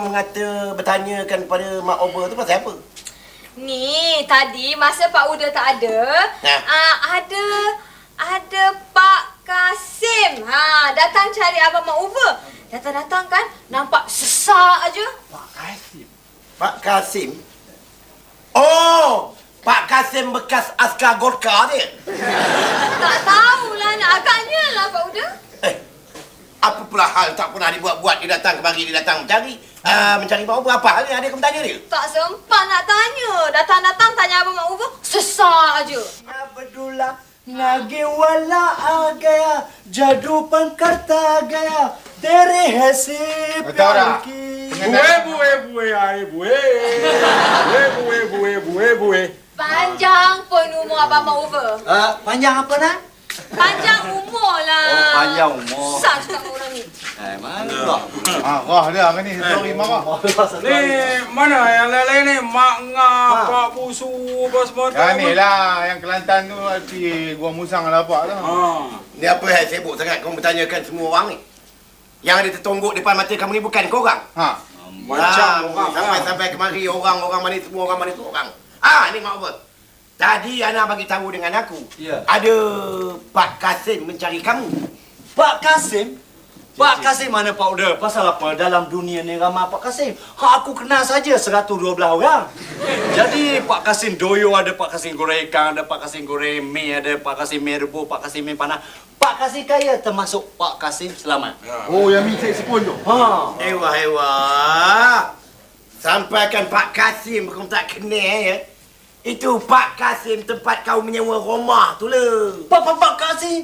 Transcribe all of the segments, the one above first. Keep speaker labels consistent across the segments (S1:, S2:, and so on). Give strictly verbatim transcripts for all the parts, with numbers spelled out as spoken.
S1: mengata bertanyakan kepada Mak Oba tu pasal apa?
S2: Ni, tadi masa Pak Uda tak ada,
S1: Ha?
S2: uh, ada ada Pak Kasim. Ha, datang cari abang Mak Uba. Datang-datang kan, nampak sesak aja.
S1: Pak Kasim. Pak Kasim? Oh, Pak Kasim bekas askar Gorka dia.
S2: Tak tahulah, nak agaknya lah Pak Uda.
S1: Eh, apa pula hal tak pernah dibuat-buat, dia datang kemari, dia datang mencari. Uh, mencari Mak Uba, apa hal ni? Ada kau bertanya dia?
S2: Tak sempat nak tanya. Datang-datang tanya abang Mak Uba, sesak aja.
S3: Abdullah nage wala आ गया जादूपन करता गया तेरे है से प्यार की
S4: Buwe, buwe, buwe, ai, buwe. Buwe, buwe, buwe, buwe, buwe.
S2: Panjang pun umur abang Mak Uba.
S3: uh, panjang apa nak?
S2: Panjang umur lah.
S3: Oh, panjang umur.
S2: Susah cakap dengan orang ni.
S3: Eh, mana?
S4: Ah, wah dia kan ni story marah. Ni mana yang lain-lain ni? Mak ngah, Pak Busu, apa semua tu.
S5: Ya ni lah yang Kelantan tu di Gua Musang lah apa tu.
S4: Ha.
S1: Ni apa hal sibuk sangat kau bertanyakan semua orang ni? Yang ada tertonggok depan mata kamu ni bukan kau orang?
S5: Ha.
S4: Macam orang.
S1: Sampai-sampai kemari orang-orang mana semua orang mana tu orang. Ah, ni Mak Oba. Tadi Ana bagi tahu dengan aku.
S3: Ya.
S1: Ada Pak Kasim mencari kamu.
S3: Pak Kasim? Pak Kasim mana Pak Uda? Pasal apa dalam dunia ni ramai Pak Kasim? Ha, aku kenal saja seratus dua belas orang. Jadi Pak Kasim doyo ada, Pak Kasim goreng ikan, ada Pak Kasim goreng mi, ada Pak Kasim mi rebus, Pak Kasim mi panah. Pak Kasim kaya termasuk Pak Kasim Selamat.
S5: Oh yang minta sepun tu.
S3: Ha.
S1: Ewa, ewa. Sampaikan Pak Kasim kau tak kenal ya. Itu Pak Kasim tempat kau menyewa rumah tu lah.
S3: Pak Pak Pak Kasim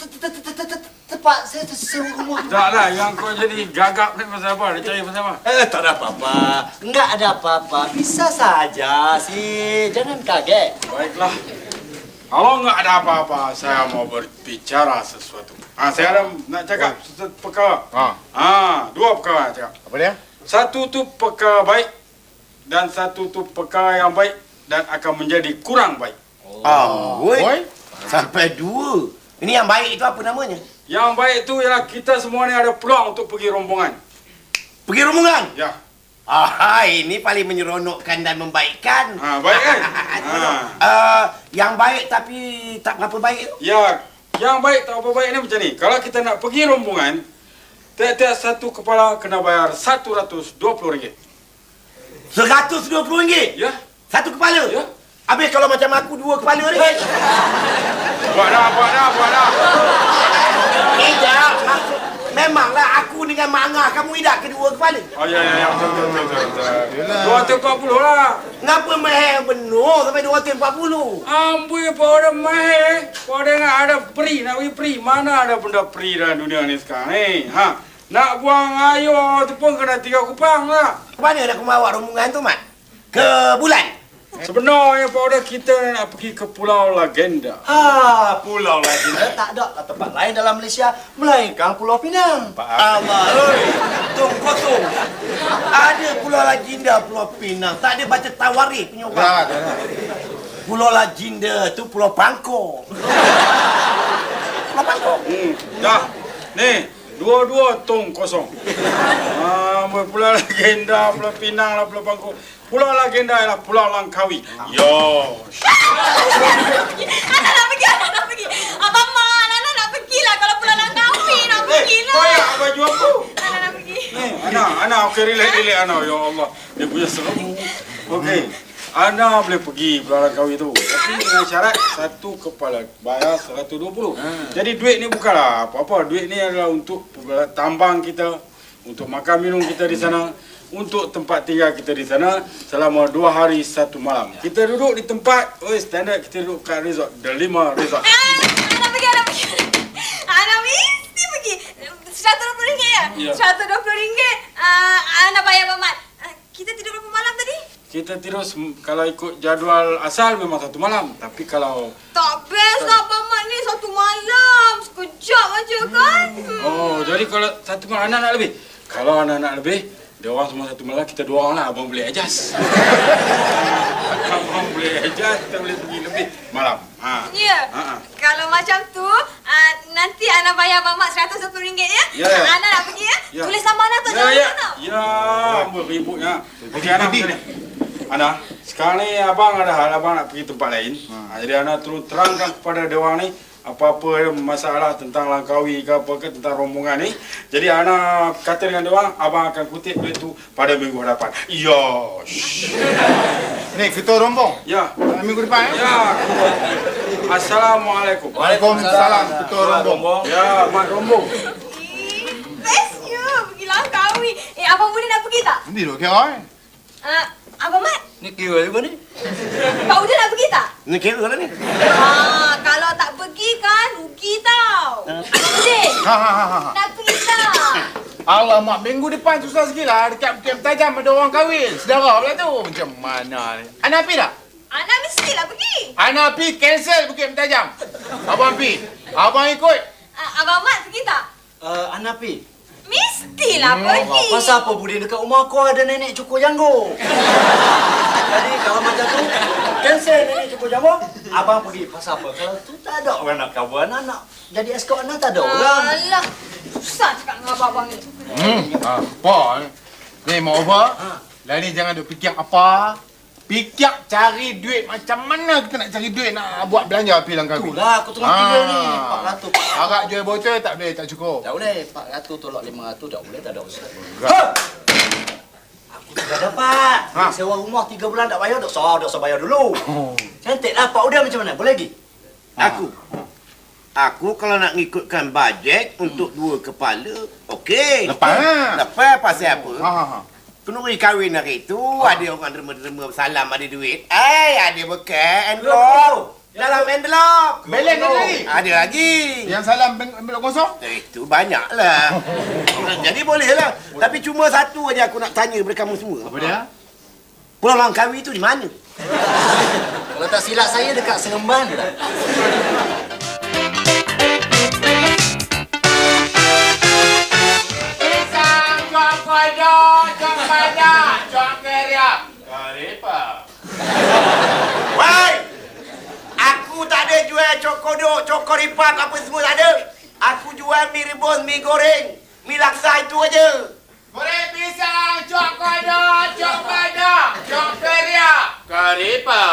S3: tempat saya tersewa rumah.
S4: Tak lah, yang kau jadi gagap ni pasal apa? Dia cari pasal apa?
S3: Eh, tak ada apa-apa. Enggak ada apa-apa. Bisa saja sih. Jangan kaget.
S4: Baiklah. Kalau enggak ada apa-apa, saya mau berbicara sesuatu. Ah, saya ada nak cakap sesuatu perkara.
S5: Ha.
S4: Ah, dua perkara nak cakap.
S5: Apa dia?
S4: Satu tu perkara baik dan satu tu perkara yang baik dan akan menjadi kurang baik.
S1: Oh, woi.
S5: Oi.
S1: Sampai dua. Ini yang baik itu apa namanya?
S4: Yang baik tu ialah kita semua ni ada peluang untuk pergi rombongan.
S1: Pergi rombongan.
S4: Ya.
S1: Ah, ini paling menyeronokkan dan membaikkan.
S4: Ha, baik kan? Ha.
S1: Uh, yang baik tapi tak berapa baik tu.
S4: Ya, yang baik tak apa baik ni macam ni. Kalau kita nak pergi rombongan, tiap-tiap satu kepala kena bayar satu ratus dua puluh ringgit.
S1: seratus dua puluh ringgit.
S4: Ya.
S1: Satu kepala.
S4: Ya.
S1: Habis kalau macam aku dua kepala ni.
S4: Buat dah, buat dah, buat dah.
S1: Tidak, maksud memanglah aku dengan Mak Angah kamu tidak kedua kepala.
S4: Oh ya, ya, ya, betul, betul, betul, betul.
S5: Yelah.
S4: dua ratus empat puluh lah.
S1: Ngapa mahal benar sampai dua ratus empat puluh?
S4: Amboi, pada mahal. Pada nak ada free, nak pergi free. Mana ada benda free dalam dunia ni sekarang ni? Ha? Nak buang air tu pun kena tiga kupang lah.
S1: Ke mana nak aku bawa rombongan tu, Mat? Ke bulan?
S4: Sebenarnya pada kita nak pergi ke Pulau Legenda.
S3: Ha, Pulau Legenda tak ada lah tempat lain dalam Malaysia melainkan Pulau Pinang.
S1: Allah, oi. Tung kosong. Ada Pulau Legenda, Pulau Pinang. Tak ada baca tawarikh punya orang.
S5: Dah, dah, dah.
S1: Pulau Legenda tu Pulau Bangkok. Pulau Bangkok.
S4: Hmm, dah. Ni, dua-dua tong kosong. Ah, Pulau Legenda, Pulau Pinang lah, Pulau Bangkok. Pulau Legenda ialah Pulau Langkawi. Yo.
S2: Anak nak pergi, anak nak pergi. Abang Mak, anak nak pergi lah. Kalau Pulau Langkawi nak pergi lah.
S4: Kau yang baju aku.
S2: Anak nak pergi.
S4: Ni, Ana, Ana, okey, relax, relax, Ana. Ya Allah, dia punya seram. Okey, Ana boleh pergi Pulau Langkawi tu. Tapi dengan syarat satu kepala bayar seratus dua puluh. Jadi duit ni bukanlah apa-apa. Duit ni adalah untuk tambang kita, untuk makan minum kita di sana, untuk tempat tinggal kita di sana selama dua hari satu malam. Kita duduk di tempat, oh standard kita duduk kat resort, The Lima Resort.
S2: Ah, anak pergi, anak pergi. Anak mesti pergi. seratus dua puluh ringgit ya?
S4: Ya.
S2: seratus dua puluh ringgit. Uh, anak bayar Abang Mat. Uh, kita tidur berapa malam tadi?
S4: Kita tidur sem- kalau ikut jadual asal memang satu malam. Tapi kalau
S2: Tak best lah Abang Mat ni satu malam. Sekejap aja kan? Hmm.
S4: oh jadi kalau satu malam anak nak lebih. Kalau anak nak lebih, dia orang semua satu malam, kita dua orang lah. Abang boleh adjust. Abang boleh adjust, kita boleh pergi lebih malam. Ha.
S2: Ya.
S4: Ha, ha.
S2: Kalau macam tu, uh, nanti Ana bayar Abang Mat seratus dua puluh ringgit ya.
S4: Ya, ya.
S2: Ana nak pergi ya.
S4: Ya.
S2: Tulis nama Ana tu
S4: Ya,
S2: jangan
S4: ya.
S2: lupa tau.
S4: Ya, apa ributnya. Okey, Ana. Begini. Ana, sekarang ni abang ada hal abang nak pergi tempat lain. Ha, jadi Ana terus terangkan kepada dia orang ni apa-apa masalah tentang Langkawi ke apa ke tentang rombongan ni. Jadi Ana kata dengan dia orang, abang akan kutip duit tu pada minggu hadapan. Yosh.
S5: Ni ketua rombong.
S4: Ya.
S5: Minggu depan eh.
S4: Ya. Assalamualaikum.
S5: Waalaikumsalam ketua rombong.
S4: Ya, mak rombong.
S2: Ih, bestnya pergi Langkawi. Eh, Abang boleh nak pergi tak?
S5: Nanti duk kira eh.
S2: Uh, Abang Mat,
S3: Ni kira juga ni.
S2: Pak Uda nak pergi tak?
S1: Ni kira lah ni.
S2: Ah, kalau tak pergi kan rugi tau. Udin,
S5: Ha ha ha ha.
S2: nak pergi tak?
S5: Alamak, minggu depan susah sikit lah. Dekat Bukit Tajam ada orang kahwin. Sedara pula tu. Macam mana ni? Ana pergi tak?
S2: Ana mestilah pergi.
S5: Ana pergi cancel Bukit Tajam. Abang pergi. Abang ikut.
S2: Uh, Abang Mat pergi tak?
S3: Uh, Ana pi.
S2: Mestilah
S5: Hmm,
S2: pergi.
S3: Pasal apa Budin dekat rumah aku ada nenek cukur janggut. Jadi kalau macam tu, cancel nenek cukur janggut, abang pergi. Pasal apa? Kalau tu tak ada orang nak kawan anak. Jadi escort anak tak ada orang.
S2: Alah, susah cakap dengan abang-abang ni.
S5: Hmm. Apa ni? Ni mau apa? Lah ni jangan duk fikir apa. Fikir cari duit. Macam mana kita nak cari duit nak buat belanja api Langkawi?
S3: Itulah aku tengah fikir ni. empat ratus.
S5: Harap jual botol tak boleh, tak cukup.
S3: Tak boleh. empat ratus tolak lima ratus tak boleh. Tak ada usaha. Ha! Aku sudah dapat.
S5: Ha.
S3: Sewa rumah tiga bulan tak bayar. Tak usah, tak usah bayar dulu.
S5: Oh.
S3: Cantiklah Pak Uda macam mana? Boleh lagi?
S1: Aku. Aku kalau nak ngikutkan bajet untuk dua kepala, okey.
S5: Lepas lah.
S1: Lepas pasal apa?
S5: Ha ha ha.
S1: Kenduri kahwin hari tu, ada orang derma-derma salam ada duit. Eh, ada bekal envelope. Dalam envelope.
S5: Balance ada lagi?
S1: Ada lagi.
S5: Yang salam belok kosong?
S1: Eh, itu banyaklah. Jadi bolehlah. Tapi cuma satu aja aku nak tanya kepada kamu semua.
S5: Apa dia?
S1: Pulau Langkawi tu di mana?
S3: Kalau tak silap saya dekat Seremban je lah.
S5: Pisang, jual kodok, jual padak, jual keriak. Karipa.
S1: Wai! Aku tak ada jual cokodok, cokoripak apa semua tak ada. Aku jual mie rebus, mie goreng, mie laksa itu aja.
S5: Goreng pisang, jual kodok, jual padak, jual keriak. Karipa.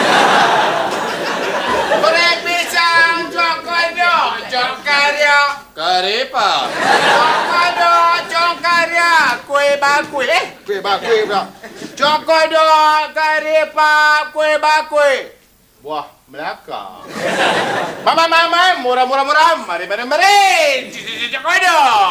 S5: Goreng pisang, jual kodok, jual keriak. Karipa. Jual kodok, jual keriak. Kuih bakui. Eh, kuih bakui pula. Jual kodok, karipa, kuih bakui. Buah Melaka. Mama, mama, murah-murah murah. Mari, mari, mari. Jual kodok.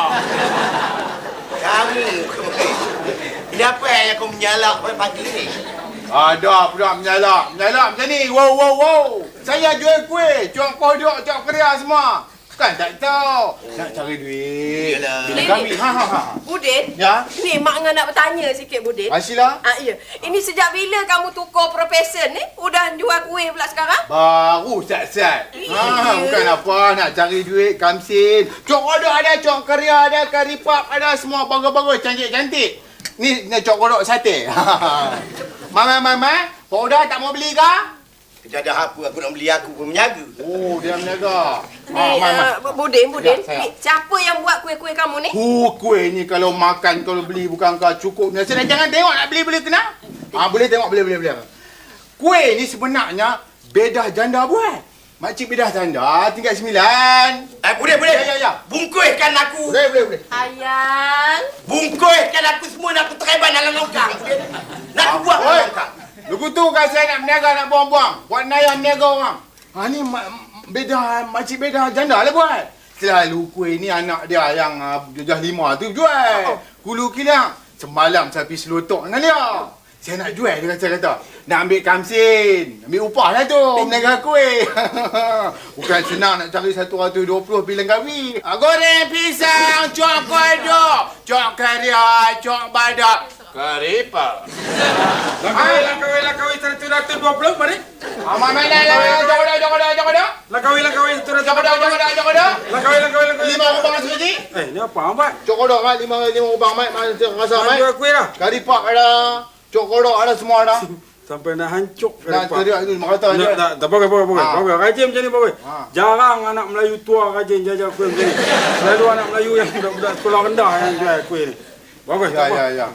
S1: Kamu. Ini apa yang kau menyalak pagi ni?
S5: Ada pula menyalak. Menyalak macam ni. Wow, wow, wow. Saya jual kuih, jual kodok, jual keriak semua. Kan tak tahu. Nak cari duit.
S1: Yalah.
S5: Bila kami. Ha, ha, ha.
S6: Budin,
S5: Ya?
S6: ni Mak Ngah nak bertanya sikit Budin.
S5: Asila?
S6: Ah, ya. Ini sejak bila kamu tukar profession ni? Udah jual kuih pula sekarang?
S5: Baru sat-sat. Ha,
S6: Iya.
S5: bukan apa. Nak cari duit, kamsin. Cok kodok ada, cok keriak ada, karipap ada. Semua bagus-bagus, cantik-cantik. Ni, ni cok kodok sate. Mama, mama. Pak Uda tak mau beli ke?
S1: Kerja ada apa aku nak beli aku pun menyaga.
S5: Oh, dia meniaga.
S6: Ni,
S5: Ah, Mai, Mai.
S6: uh, Budin, Budin.
S5: Ya, saya.
S6: Ni, siapa yang buat kuih-kuih kamu ni?
S5: Uh, kuih ni kalau makan, kalau beli bukan kau cukup. Saya jangan tengok nak beli-beli kena. Ah, boleh tengok, boleh, boleh, boleh. Kuih ni sebenarnya bedah janda buat. Makcik bedah janda tinggal sembilan.
S1: Eh, boleh, boleh.
S5: Ya, ya, ya.
S1: Bungkuihkan aku.
S5: Boleh, boleh, boleh.
S6: Ayang.
S1: Bungkuihkan aku semua nak aku tereban dalam longkang. Nak aku buat dalam
S5: Oi,
S1: longkang.
S5: lugu tu kan saya nak berniaga, nak buang-buang. Buat nayah berniaga orang. Ha ni ma- bedah, makcik bedah janda lah buat. Selalu kuih ni anak dia yang uh, jajah lima tu jual. Hulu kilang. Semalam saya pergi selotok dengan dia. Saya nak jual, dia kata, kata. Nak ambil kamsin. Ambil upah lah tu, berniaga kuih. Bukan senang nak cari satu ratus dua puluh pilihan kahwin. Ah, goreng pisang, cok kodok, cok kariak, cok badak. Karipa.
S4: Langkawi, Langkawi, Langkawi seratus dua puluh, mari.
S5: Aman mana lah, jauh dah, jauh dah, jauh dah.
S4: Langkawi, Langkawi seratus
S5: Jauh dah, jauh dah, jauh dah.
S4: Langkawi, Langkawi, Langkawi.
S5: Lima rubang sekali.
S4: Eh, ni apa Abang?
S5: Cok kodok mat, lima lima rubang mat, mana rasa
S4: Abang
S5: mat.
S4: jual kuih lah.
S5: Karipak ada, cok kodok ada semua ada.
S4: Sampai nak hancur ke
S5: Nak
S4: depan.
S5: teriak itu mata
S4: Tak,
S5: je.
S4: tak, tak, bagus, bagus, bagus.
S5: Ha.
S4: Bagus, rajin macam ni, bagus.
S5: Ha.
S4: Jarang anak Melayu tua rajin jajan kuih macam ni. Selalu anak Melayu yang budak-budak sekolah rendah yang jual kuih ni. Bagus,
S5: Ya,
S4: tak apa.
S5: ya, ya.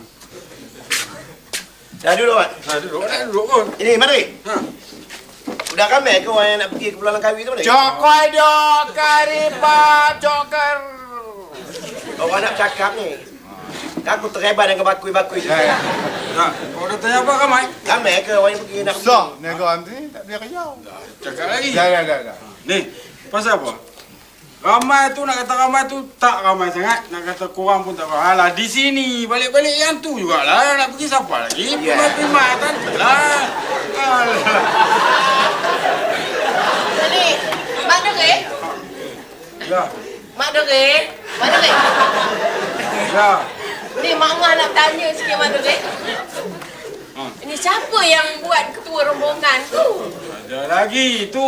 S1: Dah duduk, Mat.
S4: Ha, duduk, eh, duduk pun.
S1: Ini, Mari.
S4: Ha.
S1: Udah ramai ke orang yang nak pergi ke Pulau Langkawi tu, Mari?
S5: Cokoi dok karipap coker.
S1: Orang nak cakap ni. Aku terhebat dengan bakui-bakui tu.
S5: Ya, ya.
S4: Tak, kau dah tanya apa, Ramai?
S1: Ramai ke orang yang pergi nak pergi?
S5: Sah, negara ni tak boleh kerja.
S4: Cakap lagi.
S5: Ya, ya, ya, ya.
S4: Ni, pasal apa? Ramai tu, nak kata ramai tu tak ramai sangat. Nak kata kurang pun tak ramai. Alah, di sini, balik-balik yang tu jugalah. Nak pergi siapa lagi?
S1: Ya.
S4: Terima kan? Lah. Alah.
S6: Jadi, Mak Dere,
S4: Ya,
S6: Mak Dere, Mak Dere.
S4: ya.
S6: Ni Mak Ngah nak tanya sikit Mak Dere.
S4: Ha.
S6: Ini siapa yang buat ketua rombongan tu?
S4: Ada lagi tu.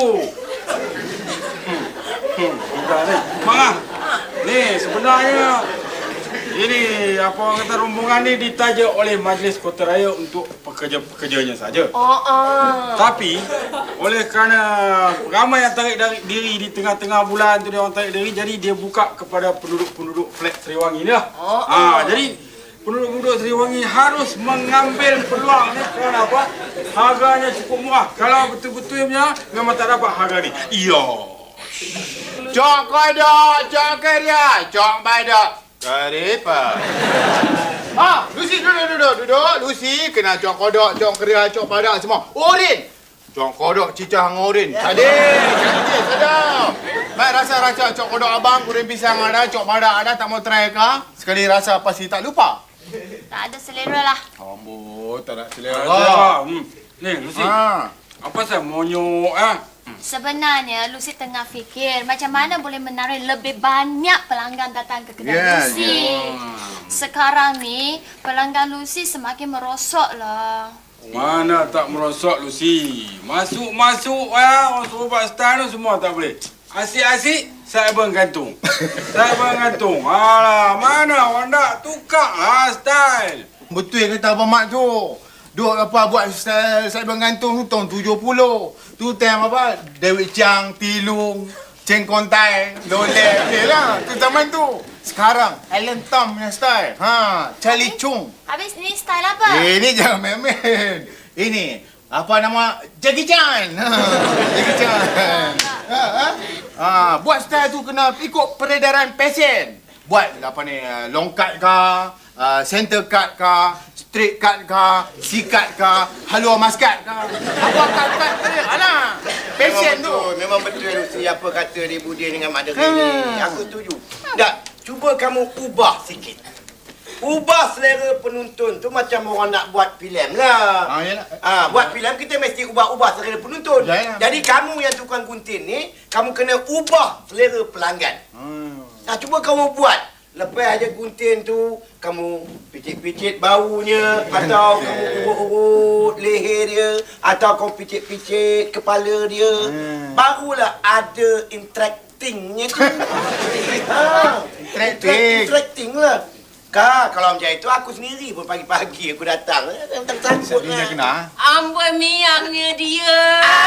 S4: Hmm. Hmm. Bukan ni. Mak, ni sebenarnya ini apa orang kata rombongan ni ditaja oleh Majlis Kota Raya untuk pekerja-pekerjanya saja.
S6: Oh, ah.
S4: Tapi oleh kerana ramai yang tarik dari diri di tengah-tengah bulan tu dia orang tarik diri, jadi dia buka kepada penduduk-penduduk flat Seriwangi ni lah.
S6: Oh,
S4: Ha, jadi penduduk-penduduk Seriwangi harus mengambil peluang ni kerana apa? Harganya cukup murah. Kalau betul-betul punya memang tak dapat harga ni. Iya.
S5: Cokoi dok coker ya. Cok badak karipap. Ah, Lucy duduk duduk duduk. Lucy kena cok kodok, cok keria, cok badak semua. Orin. Cok kodok cicah dengan orin. Tadi, cantik sedap. Baik rasa-rasa cok kodok abang, kuring pisang ada, cok badak ada, tak mau try ke? Sekali rasa pasti tak lupa.
S7: Tak ada selera lah.
S5: Amboi, tak nak
S4: Ya,
S5: selera.
S4: hmm. Ni, Lucy.
S5: Ha.
S4: Apa saya monyok ah?
S7: Sebenarnya Lucy tengah fikir macam mana boleh menarik lebih banyak pelanggan datang ke kedai
S5: Ya,
S7: Lucy. Sekarang ni pelanggan Lucy semakin merosot lah.
S4: Mana tak merosot Lucy. Masuk-masuk ya, orang suruh buat style tu semua tak boleh. Asyik-asyik cyber gantung. Cyber gantung. Alah, mana orang nak tukar lah style.
S5: Betul kata Abang Mat tu. Duk apa buat style saya bergantung tu tahun tujuh puluh. Tu time apa? David Chang, Tilung, Cheng Kontai, Lolek. Okey lah. Tu zaman tu. Sekarang Alan Tom punya style. Ha, Charlie Chung.
S7: Habis ni style apa?
S5: Eh, ini jangan main-main. Ini apa nama? Jackie Chan. Ha, Jackie Chan. Ha, ha? Ha, buat style tu kena ikut peredaran fashion. Buat apa ni? uh, Long cut ke, uh, center cut ke, straight cut ke, C-cut ke, halua maskat ke. Apa cut-cut tadi? Alah. Fashion
S1: Memang
S5: tu.
S1: betul, memang betul Lucy apa kata dia Budin dengan Mak Dere ni. Aku setuju. Tak, cuba kamu ubah sikit. Ubah selera penonton tu macam orang nak buat filem lah.
S5: Ah, yalah.
S1: Ah, buat filem kita mesti ubah-ubah selera penonton.
S5: Yalah.
S1: Jadi kamu yang tukang gunting ni, kamu kena ubah selera pelanggan.
S5: Hmm.
S1: Nah, cuba kamu buat. Lepas aja gunting tu, kamu picit-picit baunya, atau kamu urut-urut leher dia, atau kamu picit-picit kepala dia.
S5: Hmm.
S1: Barulah ada interactingnya tu. ha,
S5: Interacting.
S1: Interacting lah. Kak, kalau macam itu aku sendiri pun pagi-pagi aku datang. Tak takut
S5: Dia
S1: lah.
S5: kena.
S6: Amboi miangnya dia.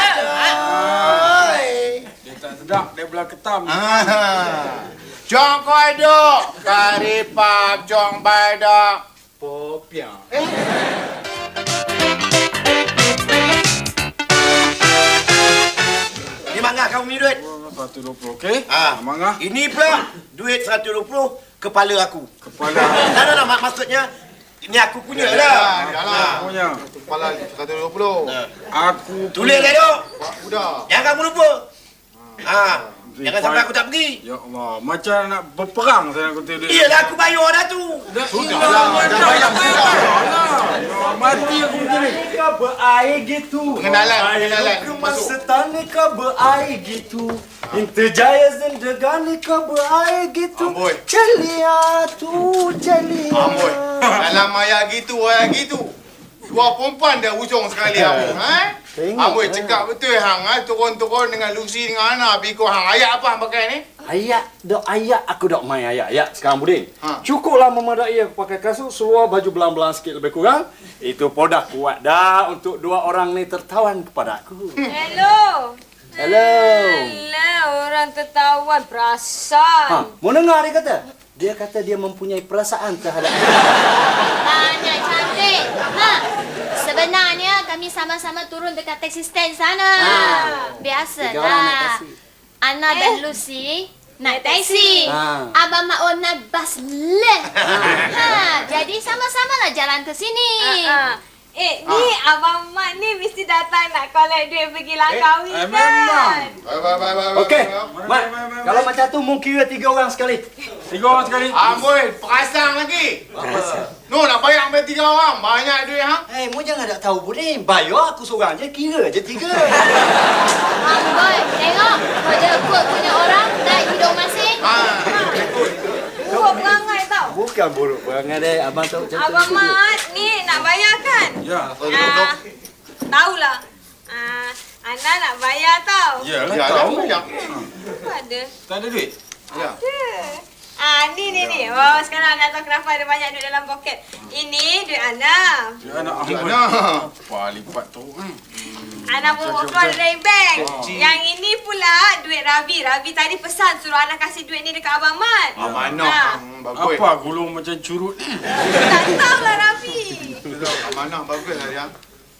S1: Ay.
S4: Dia tak sedap, dia belah ketam.
S5: Ah. Jong kodok, karipap, jong badak, popiang. Eh,
S1: Di mana kamu punya duit?
S4: seratus dua puluh, okey?
S1: Ah,
S4: Mangah.
S1: Ini pula duit seratus dua puluh kepala aku.
S4: Kepala.
S1: Tak ada mak maksudnya ini aku punya
S5: Ya,
S1: lah.
S5: ya lah.
S4: Punya.
S5: Kepala seratus dua puluh.
S4: Aku
S1: Tulis dah duk.
S5: Sudah.
S1: Jangan kamu lupa. Ah, jangan sampai aku tak pergi.
S4: Ya Allah, macam nak berperang saya nak kata dia.
S1: Iyalah aku bayar dah tu.
S5: Sudah lah. Dah bayar sudah.
S4: Mati aku macam ni.
S3: Kau berair gitu.
S5: Pengenalan, pengenalan.
S3: Ke masa tani kau berair gitu. Interjaya zindagani kau berair gitu.
S5: Amboi.
S3: Celia tu, celia.
S5: Amboi. Dalam ayat gitu, ayat gitu. Dua perempuan dah ujung sekali aku. Ha?
S3: Tengok,
S5: Amboi
S3: tengok.
S5: cakap betul hang ha? Turun-turun dengan Lucy dengan Ana. Biko hang ayat apa hang pakai ni?
S3: Ayat, dok ayat aku dok main ayat. Ayat sekarang Budin.
S5: Ha.
S3: Cukuplah memadai aku pakai kasut, seluar baju belang-belang sikit lebih kurang. Itu pun dah kuat dah untuk dua orang ni tertawan kepada aku.
S2: Hello.
S3: Hello.
S2: Alah, orang tertawan perasan.
S3: Ha, mau dengar dia kata? Dia kata dia mempunyai perasaan terhadap
S7: Banyak cantik. Ha. Sebenarnya kami sama-sama turun dekat taxi stand sana.
S3: Ha.
S7: Biasalah.
S3: Tiga orang naik taksi.
S7: Ana dan Lucy naik taksi.
S3: Ha.
S7: Abang Maon naik bas leh. Ha. Jadi sama-sama lah jalan ke sini.
S2: Ah, ah. Eh, ni Abang Mat ni mesti datang nak collect duit pergi langkawi
S4: eh,
S2: kan?
S4: memang.
S5: Bye bye bye bye.
S3: Okey.
S4: Mana,
S3: Mat,
S4: mana, mana,
S3: kalau
S4: mana?
S3: macam tu mungkin kira tiga orang sekali.
S4: Tiga orang sekali.
S5: Amboi, perasaan lagi. No, nak bayar sampai tiga orang. Banyak duit ha.
S3: Eh, mu jangan nak tahu Budin. Bayar aku seorang je, kira je tiga.
S7: Amboi, tengok. Kerja kot punya orang naik hidung masing.
S5: Ha.
S2: Buruk perangai tau.
S3: Bukan buruk perangai deh, abang tahu macam tu.
S2: Abang Mat ni nak bayar kan?
S4: Ya.
S2: Ah, tahulah. Ah, Ana nak bayar tau.
S4: Yalah,
S5: Ya,
S4: tahu.
S5: ya.
S2: Apa ada?
S4: Tak ada duit.
S5: Ya.
S2: Ada. Ah, ni ni ni. Oh, sekarang Ana tahu kenapa ada banyak duit dalam poket. Ini duit Ana.
S4: Ya, anak
S5: Ya,
S4: Ahmad.
S5: nah.
S4: Apa lipat tu? Hmm.
S2: Ana pun
S4: Betul,
S2: keluar
S4: betul.
S2: dari bank.
S4: Oh.
S2: Yang ini pula duit Ravi. Ravi tadi pesan suruh Ana kasih duit ni dekat Abang Mat.
S5: Ah, mana?
S2: Ha.
S5: Hmm, bagus.
S4: Apa gulung macam curut ni?
S2: Tak tahulah Ravi.
S5: Betul. Amanah bagus lah dia.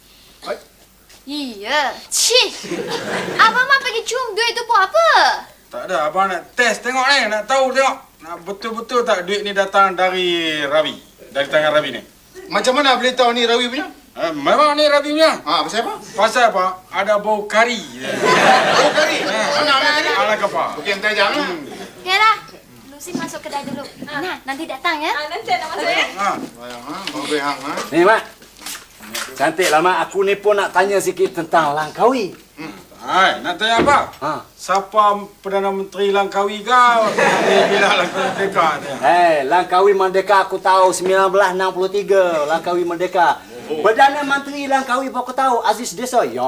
S7: Iya. Cih. Abang Mat pergi cium duit tu buat apa?
S4: Tak ada, abang nak test tengok ni, nak tahu tengok. Nak betul-betul tak duit ni datang dari Ravi? Dari tangan Ravi ni.
S5: Macam mana boleh tahu ni Rawi punya?
S4: Eh, memang ni Ravi punya.
S5: Ha, pasal apa?
S4: Pasal apa? Ada bau kari.
S5: Oh, kari. Mana ambil kari?
S4: Ala kapa.
S5: Okey, hantar jam lah.
S7: Okeylah. Lucy masuk kedai dulu. Nah, nanti datang ya.
S2: Ah, nanti nak masuk ya.
S4: Ha.
S5: Bayang ha, bagus hang ha.
S3: Ni, Mat. Cantik lah, Mat. Aku ni pun nak tanya sikit tentang Langkawi.
S4: Hai, nak tanya apa?
S3: Ha.
S4: Siapa Perdana Menteri Langkawi kau? Ni bila Langkawi Merdeka tu.
S3: Hey, Langkawi Merdeka aku tahu sembilan belas enam puluh tiga. Langkawi Merdeka. Perdana Menteri Langkawi apa aku tahu? Aziz Desa. Ya.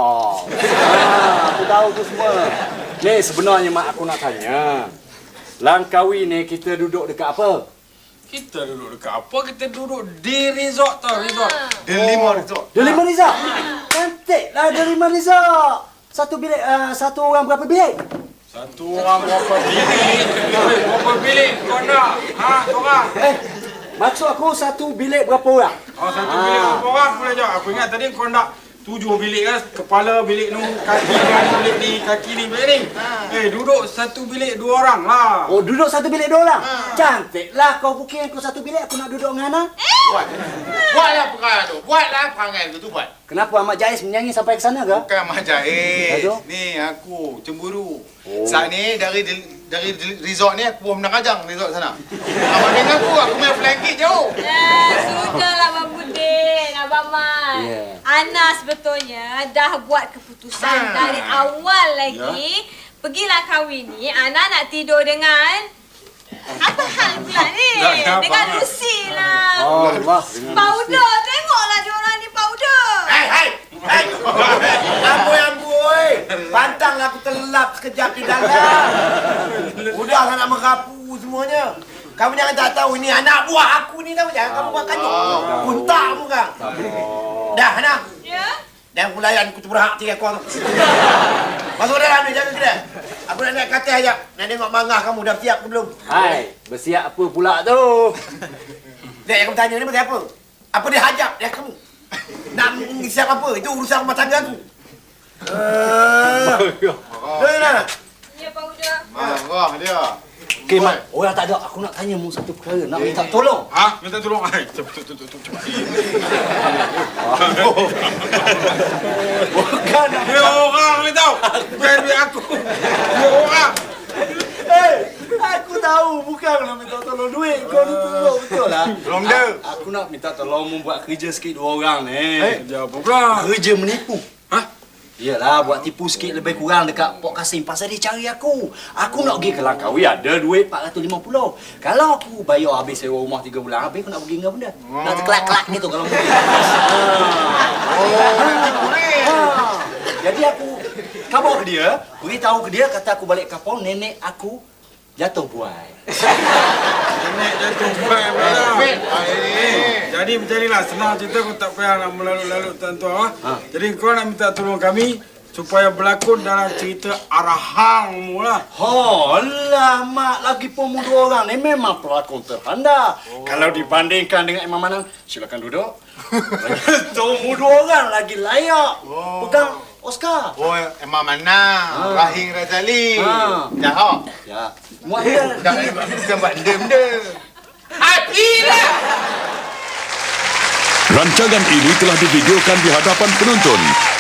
S3: Ha, aku tahu tu semua. Ni sebenarnya mak aku nak tanya. Langkawi ni kita duduk dekat apa?
S4: Kita duduk dekat apa? Kita duduk di resort tau, resort.
S5: Dia lima resort.
S3: Delima Resort. Cantik lah Delima Resort. Satu bilik, uh, satu orang berapa bilik?
S4: Satu orang berapa bilik? Eh, berapa bilik kau nak? Ha, korang?
S3: Eh, maksud aku satu bilik berapa orang?
S4: Oh, satu bilik berapa orang boleh jawab? Aku ingat tadi kau nak tujuh bilik kan? Kepala bilik ni, kaki bilik ni, kaki ni, bilik ni. Eh, duduk satu bilik dua orang lah.
S3: Oh, duduk satu bilik dua orang? Cantik lah kau booking aku satu bilik, aku nak duduk dengan Ana.
S5: Buat. Buatlah perangai tu. Buatlah perangai tu tu buat.
S3: Kenapa Ahmad Jais menyanyi sampai ke sana ke?
S5: Bukan Mak Jais.
S3: Aduh.
S5: Ni aku cemburu. Oh. Saat ni dari dari resort ni aku pun pernah kajang resort sana. Abang dengan aku, aku main flanking jauh.
S2: Eh, sudahlah Abang Budin, Abang Mat.
S3: Yeah.
S2: Ana sebetulnya dah buat keputusan
S5: Ah.
S2: dari awal lagi. Pergi Langkawi ni, Ana nak tidur dengan... Apa hal pula ni?
S4: Tak ada
S2: Dengan
S4: apa-apa.
S2: Lucy lah.
S3: Oh, Allah.
S2: Powder, tengoklah diorang ni powder.
S1: Hai, hai. Hai. Amboi, amboi. Pantanglah aku terlelap sekejap di dalam. Udahlah nak merapu semuanya. Kamu jangan tak tahu ini anak buah aku ni tau. Jangan kamu makan tu. Kuntak kamu kan. Dah, Hana.
S2: Ya?
S1: Dan aku layan aku tu berhak tiga kau tu. Masuk dalam ni, jaga kedai. Aku nak naik katil ajak. Nak tengok mangah kamu dah siap ke belum?
S3: Hai, bersiap apa pula tu?
S1: Dek, kamu tanya ni pasal apa? Apa dia hajab dia kamu? Nak siap apa? Itu urusan rumah tangga aku. Eh. Dah, dah.
S2: Ya, powder.
S5: Marah dia.
S3: Okey, Mat. Orang tak ada. Aku nak tanya mu satu perkara. Nak minta tolong.
S4: Ha? Minta tolong. Hai, cepat, cepat, cepat, cepat.
S3: Bukan.
S4: Dia orang ni tau. Bukan duit aku. Dia orang.
S3: Eh, aku tahu. Bukan nak minta tolong duit. Kau ni tolong. Betul lah.
S5: Tolong dia.
S3: Aku nak minta tolong mu buat kerja sikit dua orang ni.
S4: Eh, dia apa pula?
S3: Kerja menipu.
S4: Ha?
S3: Iyalah, buat tipu sikit lebih kurang dekat Port Kasim. Pasal dia cari aku. Aku nak pergi ke Langkawi, ada duit empat ratus lima puluh. Kalau aku bayar habis sewa rumah tiga bulan, habis aku nak pergi dengan benda. Nak terkelak-kelak gitu kalau pergi.
S5: Oh, nak tipu ni.
S3: Ha. Jadi aku khabar ke dia, beritahu ke dia, kata aku balik kapal, nenek aku jatuh buai.
S4: Nenek jatuh buai pula.
S5: Bet. Ah, ini.
S4: Jadi macam inilah, senang cerita, kau tak payah nak melalut-lalut tuan-tuan. Ha? Jadi kau nak minta tolong kami supaya berlakon dalam cerita Arahang mula.
S3: Oh, lama lagi pemuda orang ni memang pelakon terhanda. Oh. Kalau dibandingkan dengan Imam Manang, silakan duduk. Pemuda orang lagi layak.
S5: Oh.
S3: Pegang Oscar.
S5: Oh, Emang Manang,
S3: Ha.
S5: Rahim Razali.
S3: Ha.
S5: Jahat.
S3: Ya. Muat dia.
S5: Dah bukan buat benda-benda.
S6: Hatilah!
S8: Rancangan ini telah divideokan di hadapan penonton